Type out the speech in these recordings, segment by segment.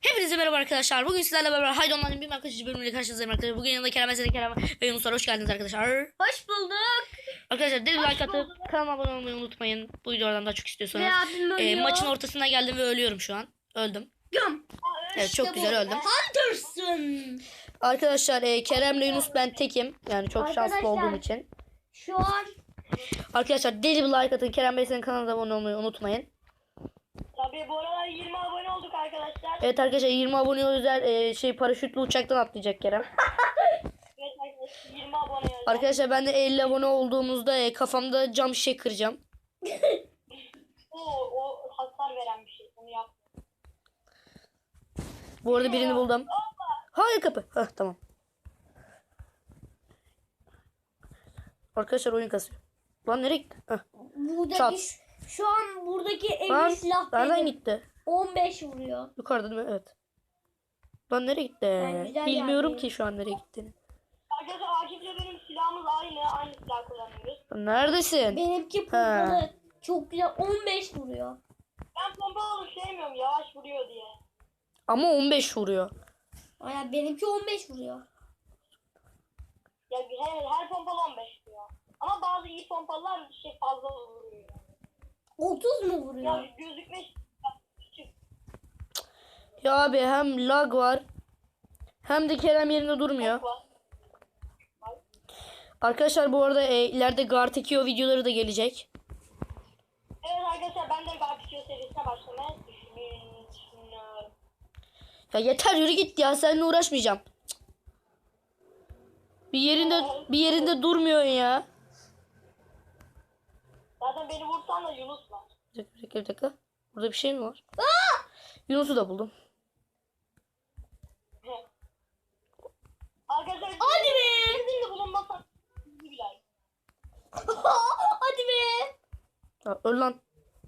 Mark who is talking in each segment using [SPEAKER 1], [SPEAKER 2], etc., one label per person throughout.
[SPEAKER 1] Hepinize merhaba arkadaşlar. Bugün sizlerle beraber Haydi Online'ın bir arkadaşlar bölümüyle karşınızdayım arkadaşlar. Bugün yanında Kerem Eseri, Kerem ve Yunus var. Hoş geldiniz arkadaşlar.
[SPEAKER 2] Hoş bulduk.
[SPEAKER 1] Arkadaşlar deli like atıp kanalıma abone olmayı unutmayın. Bu videolardan daha çok istiyorsanız.
[SPEAKER 2] Ve abim ölüyor.
[SPEAKER 1] Maçın ortasına geldim ve ölüyorum şu an. Öldüm.
[SPEAKER 2] Göm.
[SPEAKER 1] Evet, çok güzel öldüm.
[SPEAKER 2] Hunter'sın.
[SPEAKER 1] Arkadaşlar Kerem'le Yunus ben tekim. Yani çok şanslı
[SPEAKER 2] Arkadaşlar,
[SPEAKER 1] olduğum için.
[SPEAKER 2] Şu an
[SPEAKER 1] Arkadaşlar deli bir like atın. Kerem Bey senin kanalına abone olmayı unutmayın.
[SPEAKER 3] Tabii bu aralar 20 abone olduk arkadaşlar.
[SPEAKER 1] Evet arkadaşlar 20 abone özel paraşütlü uçaktan atlayacak Kerem.
[SPEAKER 3] Evet arkadaşlar 20 abone olduk.
[SPEAKER 1] Arkadaşlar ben de 50 abone olduğumuzda kafamda cam şişe kıracağım.
[SPEAKER 3] O hasar veren bir şey. Onu yap.
[SPEAKER 1] Bu arada birini buldum. Hayır kapı. Hah tamam. Arkadaşlar oyun kasıyor. Lan nereye gitti? Hah.
[SPEAKER 2] buradaki
[SPEAKER 1] Çat.
[SPEAKER 2] şu an buradaki
[SPEAKER 1] Lan
[SPEAKER 2] evli silah
[SPEAKER 1] nereden
[SPEAKER 2] benim.
[SPEAKER 1] gitti?
[SPEAKER 2] 15 vuruyor.
[SPEAKER 1] Yukarıda değil mi? Evet. Lan nereye gitti?
[SPEAKER 2] Ben güzel
[SPEAKER 1] Bilmiyorum
[SPEAKER 2] yerdeyim.
[SPEAKER 1] ki şu an nereye gittiğini.
[SPEAKER 3] Arkadaşlar Akif'le benim silahımız aynı silah kullanıyoruz.
[SPEAKER 1] Lan neredesin?
[SPEAKER 2] Benimki pompalı. Çok güzel 15 vuruyor.
[SPEAKER 3] Ben pompalı sevmiyorum yavaş vuruyor diye.
[SPEAKER 1] Ama 15 vuruyor.
[SPEAKER 2] Aya benimki 15 vuruyor.
[SPEAKER 3] Ya her pompalı 15 vuruyor. Ama bazı iyi pompalılar fazla vuruyor.
[SPEAKER 2] 30 mu vuruyor?
[SPEAKER 3] Ya gözükme küçük.
[SPEAKER 1] Ya abi hem lag var. Hem de Kerem yerinde durmuyor.
[SPEAKER 3] Var.
[SPEAKER 1] Arkadaşlar bu arada ileride Gartekio videoları da gelecek.
[SPEAKER 3] Evet arkadaşlar ben de Garpikio serisine başlamaya düşünüyorum.
[SPEAKER 1] Ya yeter yürü git ya, seninle uğraşmayacağım. Cık. Bir yerinde durmuyorsun ya.
[SPEAKER 3] Zaten beni vursan da Yunus var.
[SPEAKER 1] Bir dakika. Burada bir şey mi var? Yunus'u da buldum.
[SPEAKER 3] Arkadaşlar
[SPEAKER 2] Hadi be.
[SPEAKER 3] sizin de bulunmasak bir like.
[SPEAKER 2] Hadi be.
[SPEAKER 1] Ya, öl lan.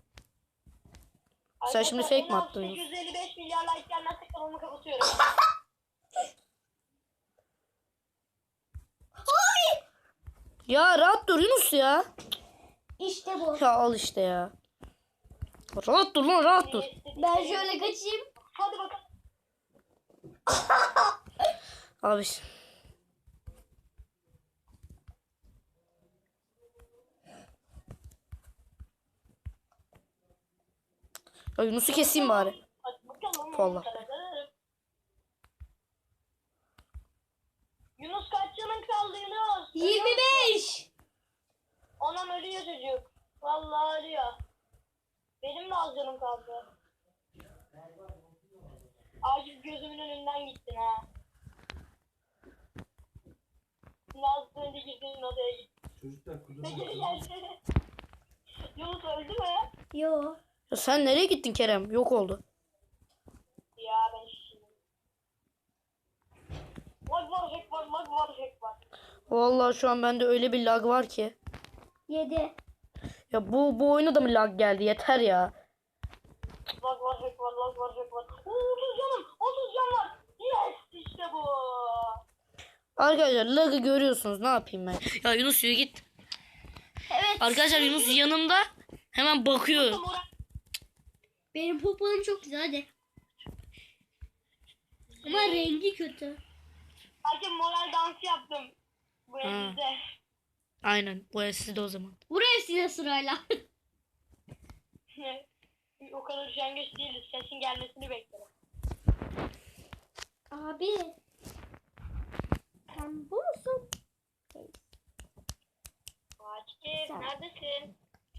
[SPEAKER 1] Sen şimdi fake mi attın?
[SPEAKER 3] 855 milyar like gelmezse kanalımı kapatıyorum.
[SPEAKER 1] Ya rahat dur Yunus ya.
[SPEAKER 2] İşte bu.
[SPEAKER 1] Ya al işte ya. Rahat dur lan, rahat dur.
[SPEAKER 2] Ben şöyle kaçayım.
[SPEAKER 3] Hadi bakalım.
[SPEAKER 1] Abi. Ya Yunus'u keseyim bari.
[SPEAKER 3] Hadi bakalım.
[SPEAKER 1] Vallahi.
[SPEAKER 3] Yunus kaç canın kaldı Yunus?
[SPEAKER 2] 25.
[SPEAKER 3] Ondan ölüyor çocuk. Vallahi ölüyor. Benim de az canım kaldı. Acil gözümün önünden gittin ha. Şimdi az önce girdiğin odaya gittin.
[SPEAKER 4] Çocuklar
[SPEAKER 3] Ne
[SPEAKER 4] kuduruyor.
[SPEAKER 3] geri geldi? Yunus öldü mü?
[SPEAKER 2] Yo.
[SPEAKER 1] Ya sen nereye gittin Kerem? Yok oldu.
[SPEAKER 3] Ya ben şimdi. Lag var, hack var, lag var, hack var.
[SPEAKER 1] Vallahi şu an bende öyle bir lag var ki.
[SPEAKER 2] 7.
[SPEAKER 1] Ya bu oyuna da mı lag geldi? Yeter ya.
[SPEAKER 3] Lag var, hack var, lag var, hack var. 30 canım, 30 can var. Yes, işte bu.
[SPEAKER 1] Arkadaşlar lag'ı görüyorsunuz. Ne yapayım ben? Ya Yunus yürü git.
[SPEAKER 2] Evet.
[SPEAKER 1] Arkadaşlar Yunus yanımda. Hemen bakıyor.
[SPEAKER 2] Benim popolum çok güzel hadi. Ama rengi kötü.
[SPEAKER 3] Herkes moral dansı yaptım. Bu evde.
[SPEAKER 1] Aynen. Bu sizde o zaman.
[SPEAKER 2] Vur hepsine sırayla.
[SPEAKER 3] O kadar üşengeç değiliz. Sesin gelmesini beklerim.
[SPEAKER 2] Abi. Sen bu musun?
[SPEAKER 3] Akif
[SPEAKER 2] Sen.
[SPEAKER 3] neredesin?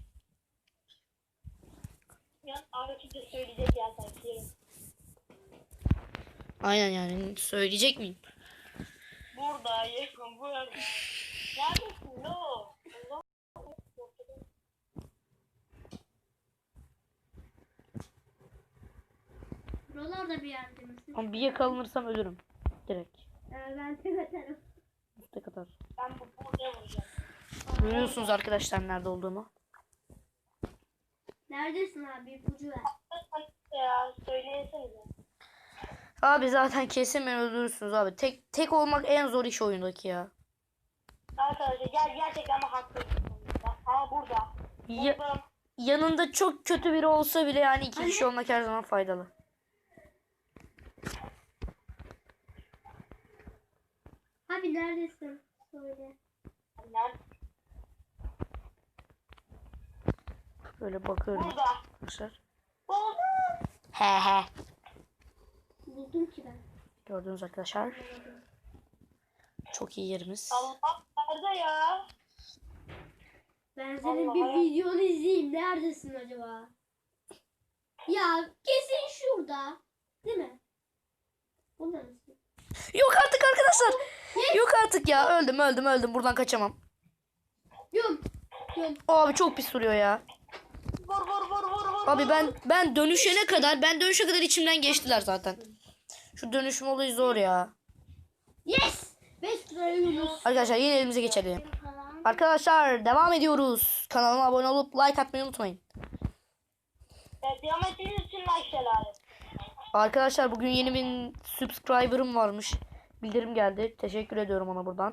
[SPEAKER 3] Ya Akif de söyleyecek ya sanki.
[SPEAKER 1] Aynen yani. Söyleyecek miyim?
[SPEAKER 3] Buradayım. Burada. Neredesin? No. Allah.
[SPEAKER 2] Buralarda bir yerde misin?
[SPEAKER 1] Ama bir yakalanırsam ölürüm. Direkt.
[SPEAKER 2] Ben seni atarım.
[SPEAKER 1] Ne kadar.
[SPEAKER 3] Ben buraya vuracağım.
[SPEAKER 1] Görüyorsunuz arkadaşlar nerede olduğumu.
[SPEAKER 2] Neredesin abi? İpucu ver.
[SPEAKER 3] Ya söyleyesenize.
[SPEAKER 1] Abi zaten kesin beni öldürürsünüz abi. Tek olmak en zor iş oyundaki ya.
[SPEAKER 3] Arkadaşlar gerçekten ama haklısınız. Ama burada.
[SPEAKER 1] Ya,
[SPEAKER 3] Buldum.
[SPEAKER 1] yanında çok kötü biri olsa bile yani iki kişi olmak her zaman faydalı.
[SPEAKER 2] Abi neredesin? Söyle.
[SPEAKER 3] Nerede?
[SPEAKER 1] Böyle bakıyorum
[SPEAKER 3] Burada.
[SPEAKER 1] arkadaşlar.
[SPEAKER 3] Buldum.
[SPEAKER 1] He.
[SPEAKER 2] Buldum ki ben.
[SPEAKER 1] Gördünüz arkadaşlar. Çok iyi yerimiz.
[SPEAKER 3] Allah nerede ya?
[SPEAKER 2] Ben senin
[SPEAKER 3] Allah
[SPEAKER 2] bir
[SPEAKER 3] Allah.
[SPEAKER 2] videonu izleyeyim. Neredesin acaba? Ya kesin şurada. Değil mi? Burada mısın?
[SPEAKER 1] Yok artık arkadaşlar. Yok artık ya. Öldüm. Buradan kaçamam.
[SPEAKER 2] Yum. Yum.
[SPEAKER 1] Abi çok pis duruyor ya.
[SPEAKER 3] Vur.
[SPEAKER 1] Abi ben dönüşe kadar içimden geçtiler zaten. Şu dönüşüm olayı zor ya.
[SPEAKER 2] Yes. 5 liraya Yunus.
[SPEAKER 1] Arkadaşlar yine elimize geçelim. Arkadaşlar devam ediyoruz. Kanalıma abone olup like atmayı unutmayın.
[SPEAKER 3] Evet, devam ettiğiniz için like şelale.
[SPEAKER 1] Arkadaşlar bugün yeni bir subscriber'ım varmış. Bildirim geldi. Teşekkür ediyorum ona buradan.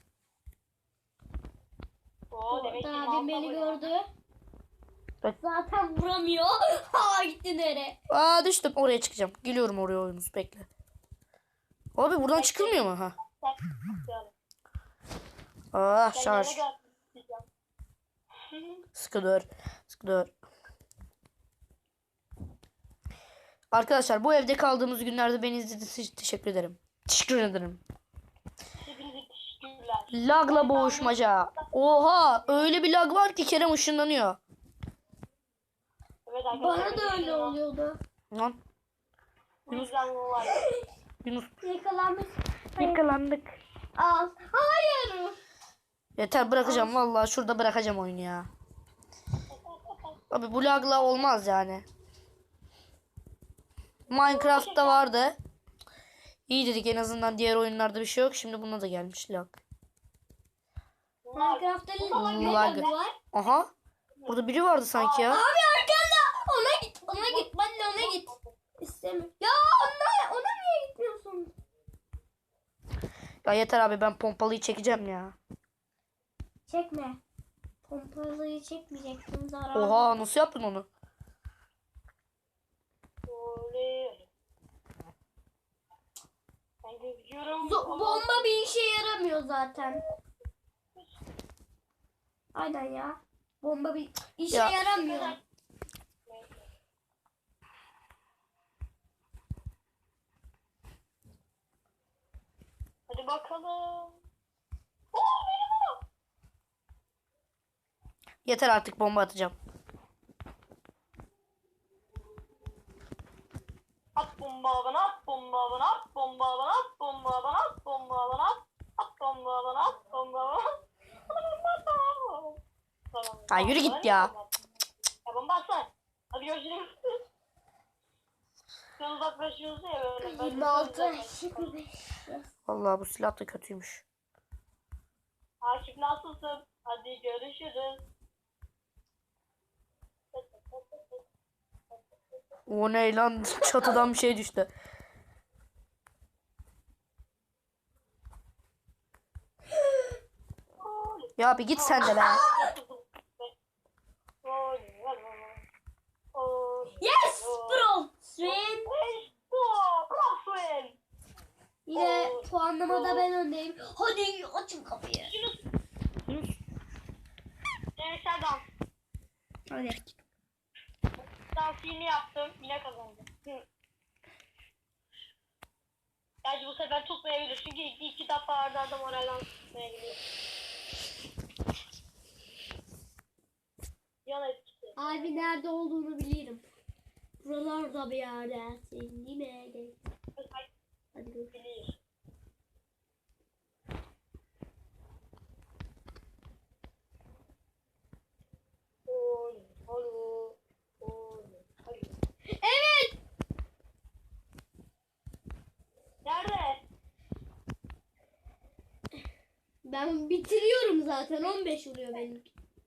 [SPEAKER 3] Oo, demek ki
[SPEAKER 2] Abim beni
[SPEAKER 3] mağaza bu ya.
[SPEAKER 2] gördü.
[SPEAKER 1] Evet.
[SPEAKER 2] Zaten vuramıyor. Ha gitti nereye?
[SPEAKER 1] Aa düştüm. Oraya çıkacağım. Geliyorum oraya oyunuz. Bekle. Abi buradan çıkılmıyor mu? Ha. Ah şarj. Sıkı dur. Arkadaşlar bu evde kaldığımız günlerde beni izlediğiniz için teşekkür ederim. Teşekkür ederim.
[SPEAKER 3] Hepinize teşekkürler.
[SPEAKER 1] Lagla boğuşmaca. Oha öyle bir lag var ki Kerem ışınlanıyor.
[SPEAKER 3] Evet arkadaşlar.
[SPEAKER 2] Bana da öyle oluyordu.
[SPEAKER 1] Lan
[SPEAKER 3] Bu yüzden bu var.
[SPEAKER 1] Yunus
[SPEAKER 2] Yakalanmış.
[SPEAKER 1] yakalandık.
[SPEAKER 2] Al. Hayır.
[SPEAKER 1] Yeter bırakacağım vallahi şurada bırakacağım oyunu ya. Abi bu lagla olmaz yani. Minecraft'ta vardı. İyi dedik en azından diğer oyunlarda bir şey yok. Şimdi buna da gelmiş lag.
[SPEAKER 2] Minecraft'ta ne
[SPEAKER 1] Lag.
[SPEAKER 2] var?
[SPEAKER 1] Aha. Burada biri vardı sanki ya.
[SPEAKER 2] Abi arkanda. Ona git. Ben de ona git. İstemiyorum. Ya ona niye gitmiyorsun?
[SPEAKER 1] Ya yeter abi ben pompalıyı çekeceğim ya.
[SPEAKER 2] Çekme. Pompalıyı çekmeyeceksin zarar.
[SPEAKER 1] Oha nasıl yaptın onu?
[SPEAKER 3] Ben gözüküyorum.
[SPEAKER 2] Bomba bir işe yaramıyor zaten. Aynen ya. Bomba bir işe
[SPEAKER 1] Ya.
[SPEAKER 2] yaramıyor.
[SPEAKER 3] Hadi bakalım. Oo benim o.
[SPEAKER 1] Yeter artık bomba atacağım.
[SPEAKER 3] At bomba bana, at bomba bana, at bomba bana, at bomba bana, at bomba bana, at bomba bana, at bomba bana.
[SPEAKER 1] Ha, yürü git ya.
[SPEAKER 3] Ya bomba atsana. Hadi görüşürüz. Sen uzaklaşıyorsun ya böyle. Ben
[SPEAKER 2] 26,
[SPEAKER 3] uzaklaşıyorum.
[SPEAKER 2] 25.
[SPEAKER 1] Vallahi bu silah da kötüymüş.
[SPEAKER 3] Akif nasılsın? Hadi görüşürüz.
[SPEAKER 1] O ne lan çatıdan bir şey düştü. Ya bir git sen de be.
[SPEAKER 2] Yes bro. Swin. Yine puanlamada ben öndeyim. Hadi açın kapıyı.
[SPEAKER 3] Serdar,
[SPEAKER 1] Hadi.
[SPEAKER 3] dansını yaptım. Yine kazandım. Gerçi bu sefer tutmayabilir. Çünkü iki defa arda arda moralden tutmayabilir. Yan etkisi.
[SPEAKER 2] Abi nerede olduğunu bilirim. Buralarda bir yerde. Sen değil mi? Gel. Hadi dur.
[SPEAKER 3] Bilir.
[SPEAKER 2] Evet.
[SPEAKER 3] Nerede?
[SPEAKER 2] Ben bitiriyorum zaten. 15 oluyor benim.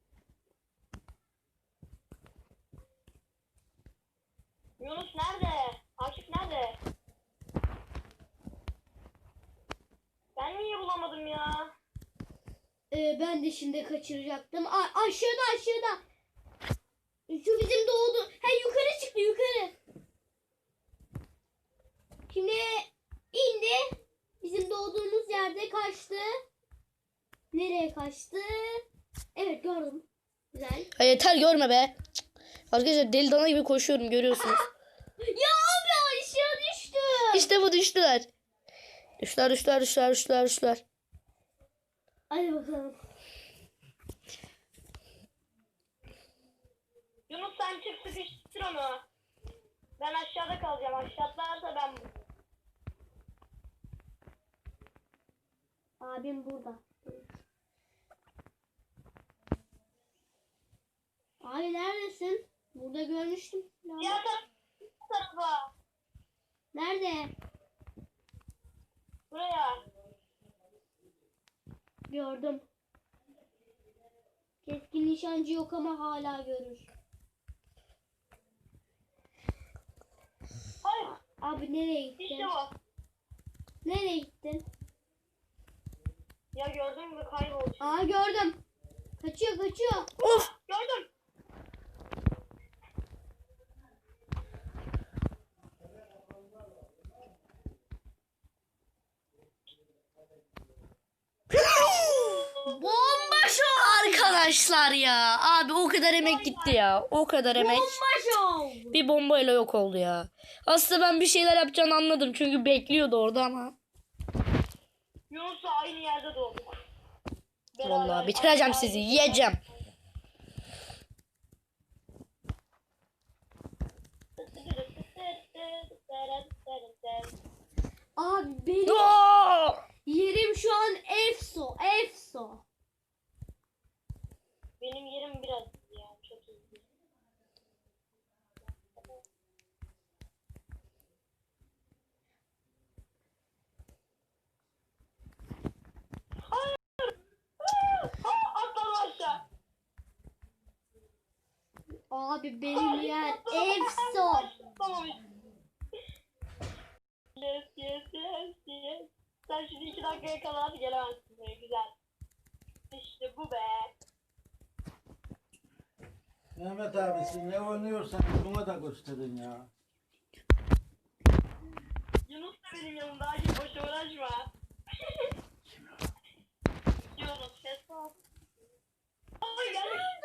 [SPEAKER 3] Yunus nerede? Akif nerede? Ben niye bulamadım ya?
[SPEAKER 2] Ben de şimdi kaçıracaktım. Aşağıda. Şu bizim doğdu. Ha yukarı çıktı yukarı. Şimdi indi. Bizim doğduğumuz yerde kaçtı? Nereye kaçtı? Evet gördüm. Güzel.
[SPEAKER 1] Ha, yeter görme be. Cık. Arkadaşlar deli dana gibi koşuyorum görüyorsunuz.
[SPEAKER 2] Ya abi aşağı düştü.
[SPEAKER 1] İşte bu düştüler. Düştüler.
[SPEAKER 2] Hadi bakalım.
[SPEAKER 3] Yunus sen çık sıkıştır onu. Ben aşağıda kalacağım. Aşağılarsa ben...
[SPEAKER 2] Abim burada. Abi neredesin? Burada görmüştüm.
[SPEAKER 3] Diğer tarafa.
[SPEAKER 2] Nerede?
[SPEAKER 3] Buraya.
[SPEAKER 2] Gördüm. Keskin nişancı yok ama hala görür.
[SPEAKER 3] Hayır.
[SPEAKER 2] Abi nereye gittin?
[SPEAKER 3] İşte bu.
[SPEAKER 2] Nereye gittin?
[SPEAKER 3] Ya gördün mü kayboldu.
[SPEAKER 2] Aa gördüm. Kaçıyor.
[SPEAKER 1] Of.
[SPEAKER 3] Gördüm.
[SPEAKER 2] Bomba şov.
[SPEAKER 1] Arkadaşlar ya. Abi o kadar emek gitti ya. O kadar emek.
[SPEAKER 2] Bomba şov.
[SPEAKER 1] Bir bombayla yok oldu ya. Aslında ben bir şeyler yapacağını anladım. Çünkü bekliyordu orada ama.
[SPEAKER 3] Yunus'la aynı yerde doğduk.
[SPEAKER 1] Vallahi bitireceğim sizi. Yiyeceğim.
[SPEAKER 2] Abi benim
[SPEAKER 1] Aa!
[SPEAKER 2] yerim şu an efso.
[SPEAKER 3] Benim yerim biraz yani çok hızlı. Hayır. Atladım aşağı.
[SPEAKER 2] Abi benim yer efso.
[SPEAKER 3] Tamam. Yes. Sen şimdi 2 dakikaya kadar gelemezsin böyle güzel. İşte bu be.
[SPEAKER 4] Mehmet abi sen ne oynuyorsan buna da gösterin ya.
[SPEAKER 3] Yunus da benim yanımda. Hadi boş uğraşma. Yunus ses al. Ay geldik.